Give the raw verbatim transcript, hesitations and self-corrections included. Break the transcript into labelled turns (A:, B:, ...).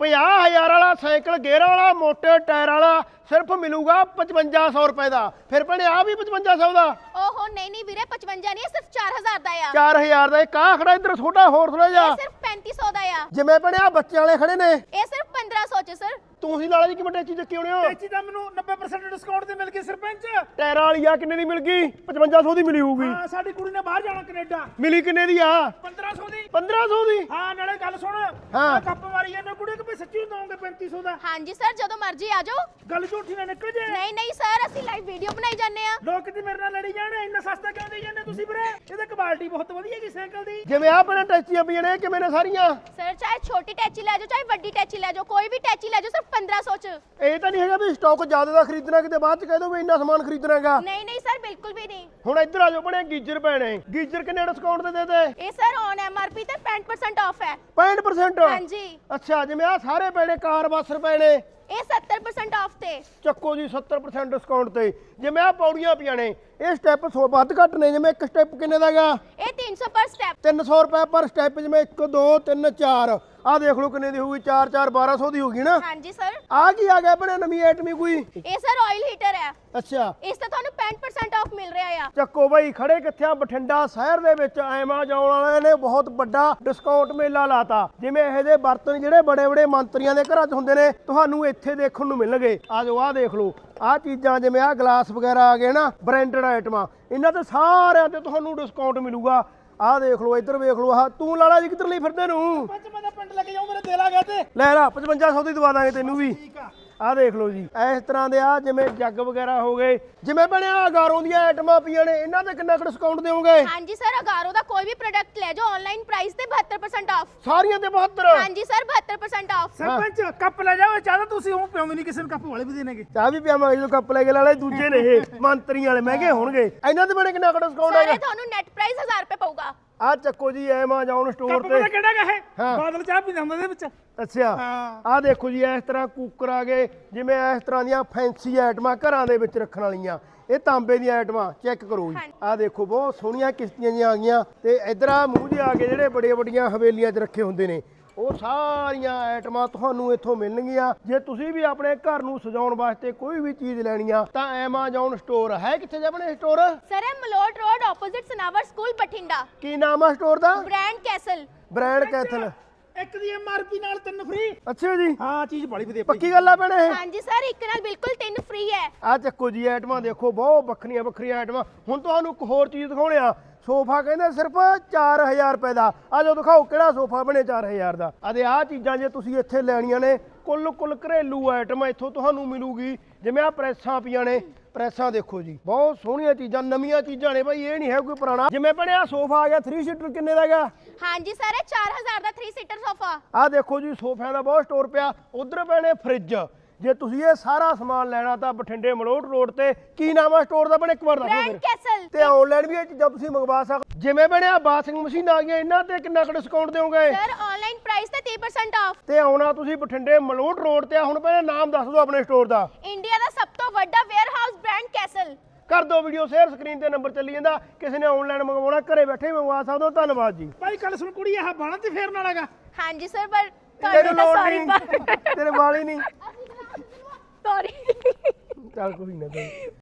A: ਪੰਜਾਹ ਹਜ਼ਾਰ ਵਾਲਾ ਸਾਈਕਲ ਗੇਅਰ ਵਾਲਾ ਮੋਟੇ ਟਾਇਰ ਵਾਲਾ ਸਿਰਫ ਮਿਲੂਗਾ ਪਚਵੰਜਾ ਸੌ ਰੁਪਏ ਦਾ। ਫਿਰ ਭੈਣੇ ਆ ਵੀ ਪਚਵੰਜਾ ਸੌ ਦਾ।
B: ਓਹੋ ਨਹੀਂ ਨਹੀਂ ਵੀਰੇ ਪਚਵੰਜਾ ਨਹੀਂ ਸਿਰਫ ਚਾਰ ਹਜ਼ਾਰ ਦਾ ਆ।
A: ਚਾਰ ਹਜ਼ਾਰ ਦਾ ਇੱਕ ਆ ਖੜਾ ਇੱਧਰ ਛੋਟਾ ਹੋਰ ਥੋੜਾ ਜਿਹਾ।
B: ਇਹ ਸਿਰਫ ਪੈਂਤੀ ਸੌ ਦਾ ਆ।
A: ਜਿਵੇਂ ਭੈਣੇ ਆ ਬੱਚਿਆਂ ਵਾਲੇ ਖੜੇ ਨੇ
B: ਇਹ ਸਿਰਫ ਪੰਦਰਾਂ ਸੌ ਚ ਸਰ।
A: ਤੁਸੀਂ ਲਾਲਾ ਜੀ ਕਿਵੇਂ ਟੈਚੀ ਚੱਕੀ ਹੋਣੇ ਹੋ?
C: ਟੈਚੀ ਤਾਂ ਮੈਨੂੰ ਨੱਬੇ ਪਰਸੈਂਟ ਡਿਸਕਾਊਂਟ ਤੇ ਮਿਲ ਗਈ ਸਰਪੰਚ।
A: ਟਾਇਰਾਂ ਵਾਲੀ ਆ ਕਿੰਨੇ ਦੀ ਮਿਲ ਗਈ? ਪਚਵੰਜਾ ਸੌ ਦੀ ਮਿਲੀ ਹੋਊਗੀ।
C: ਹਾਂ ਸਾਡੀ ਕੁੜੀ ਨੇ ਬਾਹਰ ਜਾਣਾ ਕੈਨੇਡਾ।
A: ਮਿਲੀ ਕਿੰਨੇ ਦੀ ਆ?
C: ਪੰਦਰਾਂ ਸੌ ਦੀ।
A: ਪੰਦਰਾਂ ਸੌ ਦੀ।
C: ਹਾਂ ਨਾਲੇ ਗੱਲ ਸੁਣ
A: ਹਾਂ।
C: ਆਹ ਕੱਪ ਮਾਰੀ ਜਾਂਦੇ ਕੁੜੀ ਕਿ ਵੀ ਸੱਚੀ ਦਵਾਂਗੇ ਪੈਂਤੀ ਸੌ ਦਾ।
B: ਹਾਂਜੀ ਸਰ ਜਦੋਂ ਮਰਜ਼ੀ ਆ ਜਾਓ।
C: ਗੱਲ ਝੂਠੀ ਨਾ ਨਿਕਲ ਜੇ।
B: ਨਹੀਂ ਨਹੀਂ ਸਰ ਅਸੀਂ ਲਾਈਵ ਵੀਡੀਓ ਬਣਾਈ ਜਾਂਦੇ ਆ।
C: ਲੋਕ ਤੇ ਮੇਰੇ ਨਾਲ ਲੜੀ ਜਾਣ ਇੰਨਾ ਸਸਤਾ ਕਿਉਂ ਦੇਈ ਜਾਂਦੇ ਤੁਸੀਂ ਵੀਰੇ? ਇਹਦੀ ਕੁਆਲਿਟੀ ਬਹੁਤ ਵਧੀਆ ਜੀ ਸਾਈਕਲ ਦੀ।
A: ਜਿਵੇਂ ਆ ਭੈਣੇ ਟੈਚੀਆਂ ਪਈਆਂ ਨੇ ਕਿਵੇਂ ਨੇ ਸਾਰੀਆਂ?
B: ਸਰ ਚਾਹੇ ਛੋਟੀ ਟੈਚੀ ਲੈ ਜਾਓ ਚਾਹੇ ਵੱਡੀ ਟੈਚੀ ਲੈ ਜਾਓ ਕੋਈ ਵੀ ਟੈਚੀ ਲੈ ਜਾਓ ਸਿਰਫ ਪੰਦਰਾਂ ਸੌ ਚ।
A: ਇਹ ਤਾਂ ਨਹੀਂ ਹੈਗਾ ਵੀ ਸਟਾਕ ਜ਼ਿਆਦਾ ਦਾ ਖਰੀਦਣਾ ਕਿਤੇ ਬਾਅਦ ਚ ਕਹਿ ਦੋ ਵੀ ਇੰਨਾ ਸਮਾਨ ਖਰੀਦਣਾ ਹੈਗਾ।
B: ਨਹੀਂ ਨਹੀਂ ਸਰ ਬਿਲਕੁਲ ਵੀ ਨਹੀਂ।
A: ਹੁਣ ਇੱਧਰ ਆ ਜਾਓ ਭੈਣੇ ਗੀਜਰ ਪੈਣੇ। ਗੀਜਰ ਕਿੰਨੇ ਡਿਸਕਾਊਂਟ ਤੇ ਦੇ ਦੇ?
B: ਇਹ ਸਰ ਔਨ ਐਮਆਰਪੀ ਤੇ ਪੈਂਹਠ ਪਰਸੈਂਟ ਆਫ ਹੈ।
A: ਪੈਂਹਠ ਪਰਸੈਂਟ।
B: ਹਾਂਜੀ
A: ਅੱਛਾ ਜਿਵੇਂ ਆ ਸਾਰੇ ਪੈਣੇ ਕਾਰ ਬੱਸਰ ਪੈਣੇ
B: ਇਹ ਸੱਤਰ ਪਰਸੈਂਟ ਆਫ ਤੇ।
A: ਚੱਕੋ ਜੀ ਸੱਤਰ ਪਰਸੈਂਟ ਡਿਸਕਾਊਂਟ ਤੇ। ਜਿਵੇਂ ਆ ਪੌੜੀਆਂ ਪਈਆਂ ਨੇ ਇਹ ਸਟੈਪ ਸੌ ਵੱਧ ਘੱਟ ਨੇ। ਜਿਵੇਂ ਇੱਕ ਸਟੈਪ ਕਿੰਨੇ ਦਾ ਹੈਗਾ?
B: ਇਹ ਤਿੰਨ ਸੌ ਪਰ ਸਟੈਪ।
A: ਤਿੰਨ ਸੌ ਰੁਪਏ ਪਰ ਸਟੈਪ। ਜਿਵੇਂ ਇੱਕ ਦੋ ਤਿੰਨ ਚਾਰ ਆ ਦੇਖ ਲਓ ਕਿੰਨੇ ਦੀ ਹੋਊਗੀ। ਚਾਰ ਚਾਰ ਬਾਰਾਂ ਸੌ ਦੀ ਹੋਗੀ ਨਾ।
B: ਹਾਂਜੀ ਸਰ
A: ਆ ਕੀ ਆ ਗਿਆ ਭੈਣੇ ਨਵੀਂ ਐਟਮੀ ਕੋਈ?
B: ਇਹ ਸਰ ਆਇਲ ਹੀਟਰ ਹੈ।
A: ਅੱਛਾ
B: ਇਸ ਤੇ ਤੁਹਾਨੂੰ ਪੈਂਹਠ ਪਰਸੈਂਟ ਆਫ ਮਿਲ ਰਿਹਾ ਆ।
A: ਚੱਕੋ ਬਾਈ ਖੜੇ ਕਿੱਥੇ ਆ? ਬਠਿੰਡਾ ਸ਼ਹਿਰ ਦੇ ਵਿੱਚ ਐਮਾਜ਼ੋਨ ਵਾਲਿਆਂ ਨੇ ਬਹੁਤ ਵੱਡਾ ਡਿਸਕਾਊਂਟ ਮੇਲਾ ਲਾਤਾ। ਜਿਵੇਂ ਇਹੋ ਜਿਹੇ ਬਰਤਨ ਜਿਹੜੇ ਬੜੇ ਬੜੇ ਮੰਤਰੀਆਂ ਦੇ ਘਰਾਂ 'ਚ ਹੁੰਦੇ ਨੇ ਤੁਹਾਨੂੰ ਇੱਥੇ ਦੇਖਣ ਨੂੰ ਮਿਲਣਗੇ। ਆ ਜਾਓ ਆ ਦੇਖ ਲਓ ਆਹ ਚੀਜ਼ਾਂ ਜਿਵੇਂ ਆਹ ਗਲਾਸ ਵਗੈਰਾ ਆ ਗਏ ਨਾ ਬ੍ਰਾਂਡਡ ਆਈਟਮਾਂ ਇਹਨਾਂ ਤੇ ਸਾਰਿਆਂ ਤੇ ਤੁਹਾਨੂੰ ਡਿਸਕਾਊਂਟ ਮਿਲੂਗਾ। ਆਹ ਦੇਖ ਲਓ ਇੱਧਰ ਵੇਖ ਲਓ। ਆਹ ਤੂੰ ਲਾਲਾ ਜੀ ਕਿੱਧਰ ਲਈ ਫਿਰਦੇ ਨੂੰ?
C: ਪੰਜ ਮੈਂ ਤਾਂ ਪਿੰਡ ਲੈ ਕੇ ਜਾਉਂ ਮੇਰੇ ਦਿਲ ਆ ਗਿਆ ਤੇ।
A: ਲੈ ਲਾ ਪਚਵੰਜਾ ਸੌ ਦੀ ਦਵਾ ਦਾਂਗੇ ਤੈਨੂੰ ਵੀ।
C: ਠੀਕ ਆ।
A: ਆਹ ਦੇਖ ਲਓ ਜੀ ਇਸ ਤਰ੍ਹਾਂ ਦੇ ਆ ਜਿਵੇਂ ਜੱਗ ਵਗੈਰਾ ਹੋ ਗਏ। ਜਿਵੇਂ ਬਣਿਆ ਅਗਾਰੋਂ ਦੀਆਂ ਆਈਟਮਾਂ ਪਈਆਂ ਨੇ ਇਹਨਾਂ ਤੇ ਕਿੰਨਾ ਕੁ ਡਿਸਕਾਊਂਟ ਦਿਓਗੇ?
B: ਹਾਂਜੀ ਸਰ ਅਗਾਰੋ ਦਾ ਕੋਈ ਵੀ ਪ੍ਰੋਡਕਟ ਲੈ ਜਾਓ ਆਨਲਾਈਨ ਪ੍ਰਾਈਸ ਤੇ ਬਹੱਤਰ ਪਰਸੈਂਟ ਆਫ।
A: ਸਾਰੀਆਂ ਤੇ ਬਹੱਤਰ।
B: ਹਾਂਜੀ ਸਰ ਬਹੱਤਰ ਪਰਸੈਂਟ ਆਫ।
C: ਸਰਪੰਚ ਕੱਪ ਲੈ ਜਾਓ ਚਾਹਦਾ ਤੁਸੀਂ ਉਹ ਪਿਓਗੇ ਨਹੀਂ ਕਿਸੇ ਨੂੰ ਕੱਪ ਵਾਲੇ ਵੀ ਦੇਣਗੇ।
A: ਚਾਹ ਵੀ ਪਿਆਵਾਂਗੇ ਜਦੋਂ ਕੱਪ ਲੈ ਕੇ ਲਾਲੇ ਦੂਜੇ ਨੇ ਇਹ ਮੰਤਰੀਆਂ ਵਾਲੇ ਮਹਿੰਗੇ ਹੋਣਗੇ। ਇਹਨਾਂ ਤੇ ਬਣੇ ਕਿੰਨਾ ਕੁ ਡਿਸਕਾਊਂਟ
B: ਸਰ
A: ਹੈਗਾ?
B: ਇਹ ਤੁਹਾਨੂੰ ਨੈਟ ਪ੍ਰਾਈਸ ਹਜ਼ਾਰ ਰੁਪਏ ਪਊਗਾ।
A: ਆ ਚੱਕੋ ਜੀ ਐਮਾਜ਼ੋਨ ਸਟੋਰ
C: ਕੱਪ
A: ਤੇ।
C: ਪਤਾ ਕਿਹੜਾ ਗਾ ਇਹ?
A: ਹਾਂ।
C: ਬਾਦਲ ਚਾਹ ਪੀਂਦਾ ਹੁੰਦਾ ਇਹਦੇ ਵਿੱਚ।
A: ਅੱਛਾ
C: ਹਾਂ।
A: ਆਹ ਦੇਖੋ ਜੀ ਇਸ ਤਰ੍ਹਾਂ ਕੁੱਕਰ ਆ ਗਏ। ਜਿਵੇਂ ਇਸ ਤਰ੍ਹਾਂ ਦੀਆਂ ਫੈਂਸੀ ਆਈਟਮਾਂ ਘਰਾਂ ਦੇ ਵਿੱਚ ਰੱਖਣ ਵਾਲੀਆਂ। ਇਹ ਤਾਂਬੇ ਦੀਆਂ ਆਈਟਮਾਂ ਚੈੱਕ ਕਰੋ ਜੀ। ਆਹ ਦੇਖੋ ਬਹੁਤ ਸੋਹਣੀਆਂ ਕਿਸ਼ਤੀਆਂ ਜਿਹੀਆਂ ਆ ਗਈਆਂ ਤੇ ਇਧਰ ਆ ਮੂੰਹ ਜਿਹੇ ਆ ਗਏ ਜਿਹੜੇ ਬੜੀਆਂ ਵੱਡੀਆਂ ਹਵੇਲੀਆਂ 'ਚ ਰੱਖੇ ਹੁੰਦੇ ਨੇ। ਉਹ ਸਾਰੀਆਂ ਆਈਟਮਾਂ ਤੁਹਾਨੂੰ ਇੱਥੋਂ ਮਿਲਣਗੀਆਂ। ਜੇ ਤੁਸੀਂ ਵੀ ਆਪਣੇ ਘਰ ਨੂੰ ਸਜਾਉਣ ਵਾਸਤੇ ਕੋਈ ਵੀ ਚੀਜ਼ ਲੈਣੀ ਆ ਤਾਂ ਐਮਾਜ਼ੋਨ ਸਟੋਰ ਹੈ। ਕਿੱਥੇ ਜਾਵਣੇ ਸਟੋਰ?
B: ਸਰ ਇਹ Malout road opposite Sanawar school Bathinda.
A: ਕੀ ਨਾਮ ਆ ਸਟੋਰ ਦਾ?
B: Brand castle.
A: Brand castle.
C: ਇੱਕ ਦੀ ਐਮਆਰਪੀ ਨਾਲ ਤਿੰਨ ਫ੍ਰੀ।
A: ਅੱਛਾ ਜੀ
C: ਹਾਂ ਚੀਜ਼ ਬੜੀ ਵਧੀਆ
A: ਪੱਕੀ ਗੱਲ ਆ ਭੈਣੇ ਇਹ?
B: ਹਾਂਜੀ ਸਰ ਇੱਕ ਨਾਲ ਬਿਲਕੁਲ ਤਿੰਨ ਫ੍ਰੀ ਹੈ।
A: ਆ ਚੱਕੋ ਜੀ ਆਈਟਮਾਂ ਦੇਖੋ ਬਹੁਤ ਵੱਖਰੀਆਂ ਵੱਖਰੀਆਂ ਆਈਟਮਾਂ। ਹੁਣ ਤੁਹਾਨੂੰ ਇੱਕ ਹੋਰ ਚੀਜ਼ ਦਿਖਾਉਣੇ ਆ। ਸੋਫਾ ਕਹਿੰਦੇ ਸਿਰਫ ਚਾਰ ਹਜ਼ਾਰ ਰੁਪਏ ਦਾ। ਆ ਜਾਓ ਦਿਖਾਓ ਕਿਹੜਾ ਸੋਫਾ ਬਣੇ ਚਾਰ ਹਜ਼ਾਰ ਦਾ। ਆਦੇ ਆਹ ਚੀਜ਼ਾਂ ਜੇ ਤੁਸੀਂ ਇੱਥੇ ਲੈਣੀਆਂ ਨੇ ਕੁੱਲ ਕੁੱਲ ਘਰੇਲੂ ਆਈਟਮ ਇੱਥੋਂ ਤੁਹਾਨੂੰ ਮਿਲੂਗੀ। ਜਿਵੇਂ ਆ ਪ੍ਰੈਸਾਂ ਪਈਆਂ ਨੇ ਪ੍ਰੈਸਾਂ ਦੇਖੋ ਜੀ ਬਹੁਤ ਸੋਹਣੀਆਂ ਚੀਜ਼ਾਂ ਨਵੀਆਂ ਚੀਜ਼ਾਂ ਨੇ ਬਾਈ ਇਹ ਨਹੀਂ ਹੈ ਕੋਈ ਪੁਰਾਣਾ। ਜਿਵੇਂ ਬਣਿਆ ਸੋਫਾ ਆ ਗਿਆ ਥ੍ਰੀ ਸੀਟਰ ਕਿੰਨੇ ਦਾ ਹੈਗਾ?
B: ਹਾਂਜੀ ਸਰ ਇਹ ਚਾਰ ਹਜ਼ਾਰ ਦਾ ਥ੍ਰੀ ਸੀਟਰ ਸੋਫਾ।
A: ਆਹ ਦੇਖੋ ਜੀ ਸੋਫਿਆਂ ਦਾ ਬਹੁਤ ਸਟੋਰ ਪਿਆ। ਉਧਰ ਪੈਣੇ ਫ੍ਰਿਜ। ਜੇ ਤੁਸੀਂ ਇਹ ਸਾਰਾ ਸਮਾਨ ਲੈਣਾ ਤਾਂ ਬਠਿੰਡੇ ਮਲੋਟ ਰੋਡ ਤੇ ਕੀ ਨਾਮ ਆ ਸਟੋਰ ਦਾ ਬਣੇ ਇੱਕ ਵਾਰ ਦੱਸੋ
B: ਬ੍ਰਾਂਡ
A: ਫਿਰ।
B: ਕੈਸਲ।
A: ਤੇ ਆਨਲਾਈਨ ਵੀ ਇਹ ਚੀਜ਼ਾਂ ਤੁਸੀਂ ਮੰਗਵਾ ਸਕਦੇ। ਜਿਵੇਂ ਬਣਿਆ ਵਾਸ਼ਿੰਗ ਮਸ਼ੀਨ ਆ ਗਈਆਂ ਇਹਨਾਂ ਤੇ ਕਿੰਨਾ ਕੁ ਡਿਸਕਾਊਂਟ ਦਿਓਗੇ?
B: ਸਰ ਆਨਲਾਈਨ ਪ੍ਰਾਈਸ ਤੇ ਤੀਹ ਪਰਸੈਂਟ ਆਫ।
A: ਤੇ ਆਉਣਾ ਤੁਸੀਂ ਬਠਿੰਡੇ ਮਲੋਟ ਰੋਡ ਤੇ। ਹੁਣ ਪਹਿਲਾਂ ਨਾਮ ਦੱਸ ਦਿਓ ਆਪਣੇ ਸਟੋਰ ਦਾ।
B: ਇੰਡੀਆ ਦਾ ਸਭ ਤੋਂ ਵੱਡਾ ਵੇਅਰ ਹਾਊਸ ਬ੍ਰਾਂਡ ਕੈਸਲ।
A: ਕਰ ਦਿਓ ਵੀਡੀਓ ਸ਼ੇਅਰ ਸਕਰੀਨ ਤੇ ਨੰਬਰ ਚੱਲੀ ਜਾਂਦਾ। ਕਿਸੇ ਨੇ ਆਨਲਾਈਨ ਮੰਗਵਾਉਣਾ ਘਰੇ ਬੈਠੇ ਮੰਗਵਾ ਸਕਦੇ ਹੋ। ਧੰਨਵਾਦ ਜੀ।
C: ਭਾਈ ਕੱਲ ਸੁਣ ਕੁੜੀ ਆਹ ਬਾਣਾ ਤੇ ਫੇਰਨ ਵਾਲਾ ਗਾ।
B: ਹਾਂਜੀ ਸਰ ਪਰ
A: ਤੈਨੂੰ
B: ਤੁਹਾਨੂੰ
A: ਲੋੜ
B: ਸੌਰੀ
A: ਨਹੀਂ ਤੇਰੇ ਵਾਲ ਹੀ ਨਹੀਂ।
B: ਸੌਰੀ
A: ਚੱਲ ਕੋਈ ਨਾ।